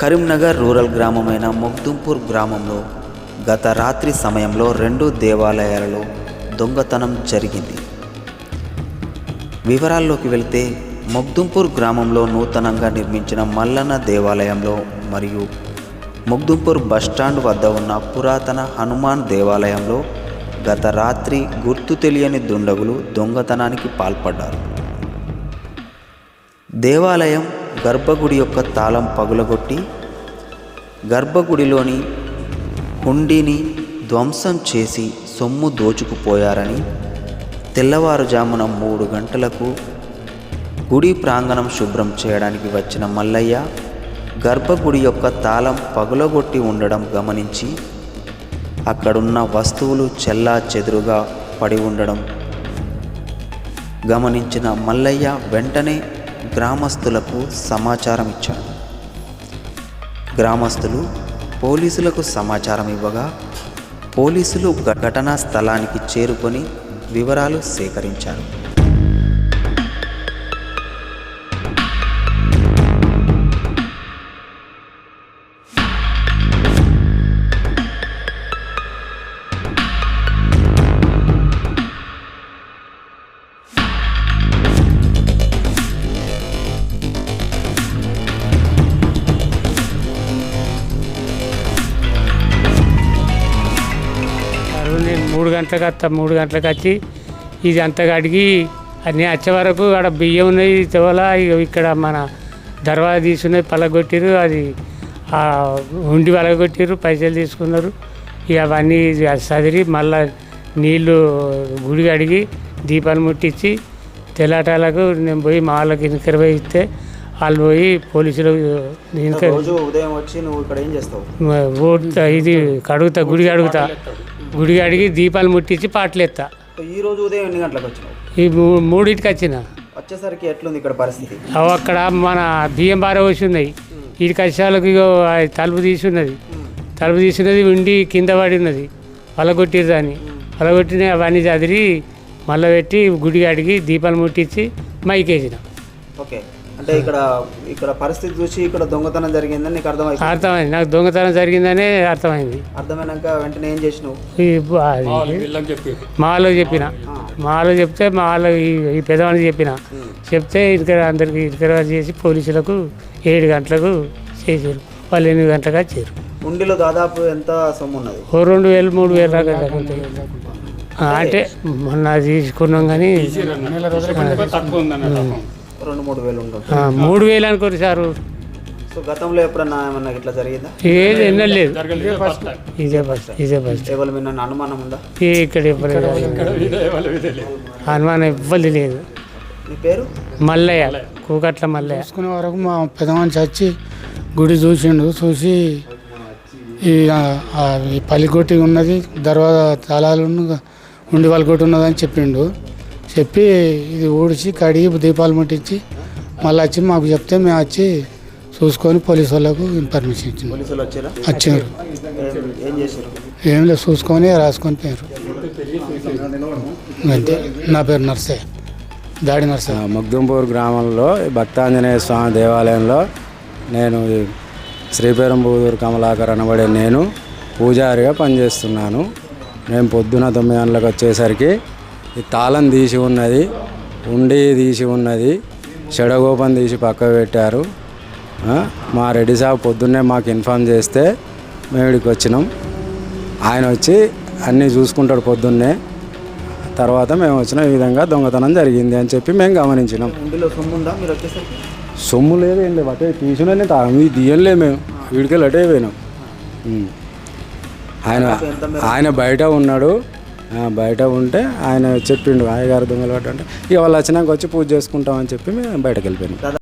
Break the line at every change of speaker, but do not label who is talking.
Karimnagar rural గ్రామమైన Mogdumpur గ్రామంలో గత రాత్రి సమయంలో 2 దేవాలయాలలో దొంగతనం జరిగింది. వివరాల్లోకి వెళితే మొగ్దుంపూర్ గ్రామంలో నూతనంగా నిర్మించిన మల్లన్న దేవాలయంలో మరియు మొగ్దుంపూర్ బస్టాండ్ వద్ద ఉన్న పురాతన హనుమాన్ దేవాలయంలో గత రాత్రి గుర్తు తెలియని దుండగులు దొంగతనానికి పాల్పడ్డారు. దేవాలయం గర్భగుడి యొక్క తాళం పగులగొట్టి గర్భగుడిలోని హుండీని ధ్వంసం చేసి సొమ్ము దోచుకుపోయారని తెల్లవారుజామున 3 గంటలకు గుడి ప్రాంగణం శుభ్రం చేయడానికి వచ్చిన మల్లయ్య గర్భగుడి యొక్క తాళం పగులగొట్టి ఉండడం గమనించి అక్కడున్న వస్తువులు చెల్లాచెదురుగా పడి ఉండడం గమనించిన మల్లయ్య వెంటనే గ్రామస్తులకు సమాచారం ఇచ్చాడు. గ్రామస్తులు పోలీసులకు సమాచారం ఇవ్వగా పోలీసులు ఘటనా స్థలానికి చేరుకొని వివరాలు సేకరించారు.
నేను 3 గంటలకు వస్తా. 3 గంటలకు వచ్చి ఇది అంతా కడిగి అన్నీ వచ్చే వరకు అక్కడ బియ్యం ఉన్నాయి తోల ఇక్కడ మన దర్వాజా తీసుకున్నది పలగొట్టిరు, అది ఉండి పలగొట్టిరు, పైసలు తీసుకున్నారు. ఇక అవన్నీ చదిరి మళ్ళా నీళ్ళు గుడి కడిగి దీపాలు ముట్టించి తెల్లటాలకు నేను పోయి మా వాళ్ళకి ఇన్కర్ పోయి ఇస్తే వాళ్ళు పోయి పోలీసులు
ఉదయం వచ్చి నువ్వు ఇక్కడ ఏం చేస్తావు?
ఇది కడుగుతా, గుడి కడుగుతా, గుడి కడిగి దీపాలు ముట్టించి పాటలు ఎత్తా.
ఈ రోజు ఉదయం ఎన్ని గంటలకు వచ్చినావు?
ఈ 3ంటికి వచ్చిన.
వచ్చేసరికి ఎట్లుంది ఇక్కడ పరిస్థితి?
అక్కడ మన బియ్యం బార వచ్చి ఉన్నాయి. వీటికి వచ్చేవాళ్ళకి తలుపు తీసున్నది, తలుపు తీసున్నది ఉండి కింద పడి ఉన్నది. పలగొట్టిరు దాన్ని, పలగొట్టిన అవన్నీ చదిరి మళ్ళీ పెట్టి గుడి కడిగి దీపాలు ముట్టించి మైకేసిన.
ఓకే, అంటే ఇక్కడ పరిస్థితి చూసి ఇక్కడ దొంగతనం జరిగిందని నీకు
అర్థమైంది. నాకు దొంగతనం జరిగిందనే అర్థమైంది.
అర్థమైనాక వెంటనే ఏం చేసినావు?
మాలో చెప్పిన, మాలో చెప్తే మా వాళ్ళు ఈ పెద్దవాళ్ళకి చెప్తే ఇక్కడ అందరికి ఇక్కడ చేసి పోలీసులకు 7 గంటలకు చేసారు. వాళ్ళు 8 గంటలకు వచ్చారు.
ఉండిలో దాదాపు ఎంత సొమ్ము ఉన్నది?
2,000 3,000 దాకా తగ్గుతాయి. అంటే మొన్న తీసుకున్నాం కానీ
2-3 వేలు ఉండదు.
3,000 అనుకోరు సారు.
సో గతంలో ఎప్పుడన్నా ఏమన్నా ఇట్లా జరిగిందా?
ఏది ఎన్నలేదు. ఇదే ఫస్ట్.
ఎవరి మీద అనుమానం ఉందా?
ఇక్కడ ఇవ్వలేదు, అనుమానం ఇవ్వలేదు లేదు.
నీ పేరు?
మల్లయ్య, కూకట్ల మల్లయ్య.
చూసుకునే వరకు మా పెద్ద మనిషి వచ్చి గుడి చూసిండు. చూసి ఈ పల్లికొట్టి ఉన్నది, దర్వాజా తాళాలు ఉండి పల్లికొట్టి ఉన్నదని చెప్పిండు. చెప్పి ఇది ఊడిచి కడిగి దీపాలు ముట్టించి మళ్ళీ వచ్చి మాకు చెప్తే మేము వచ్చి చూసుకొని పోలీసు వాళ్ళకు ఇన్ఫర్మేషన్ ఇచ్చింది. వచ్చారు, ఏం లేదు, చూసుకొని రాసుకొని పోయారు. అంతే. నా పేరు నర్సే, దాడి నర్సే.
మొగ్దుంపూర్ గ్రామంలో భక్తాంజనేయ స్వామి దేవాలయంలో నేను శ్రీపెరంబూదూరు కమలాకర్ అనబడే నేను పూజారిగా పనిచేస్తున్నాను. నేను పొద్దున 9 గంటలకు వచ్చేసరికి ఈ తాళం తీసి ఉన్నది, ఉండి తీసి ఉన్నది, చెడగోపం తీసి పక్క పెట్టారు. మా రెడ్డి సాబ్ పొద్దున్నే మాకు ఇన్ఫామ్ చేస్తే మేము ఇక్కడికి వచ్చినాం. ఆయన వచ్చి అన్నీ చూసుకుంటాడు పొద్దున్నే. తర్వాత మేము వచ్చిన ఈ విధంగా దొంగతనం జరిగింది అని చెప్పి మేము గమనించినాం. సొమ్ము లేదు, ఏం లేదు, అటే తీసుకునే తాళం ఇది తీయలే, మేము వీడికెళ్ళి అటే పోయినాం. ఆయన బయట ఉన్నాడు. బయట ఉంటే ఆయన చెప్పిండు అయ్యగారు దొంగలు పడ్డ అంటే ఇక వాళ్ళు వచ్చినాక వచ్చి పూజ చేసుకుంటామని చెప్పి మేము బయటకు వెళ్ళిపోయినాం.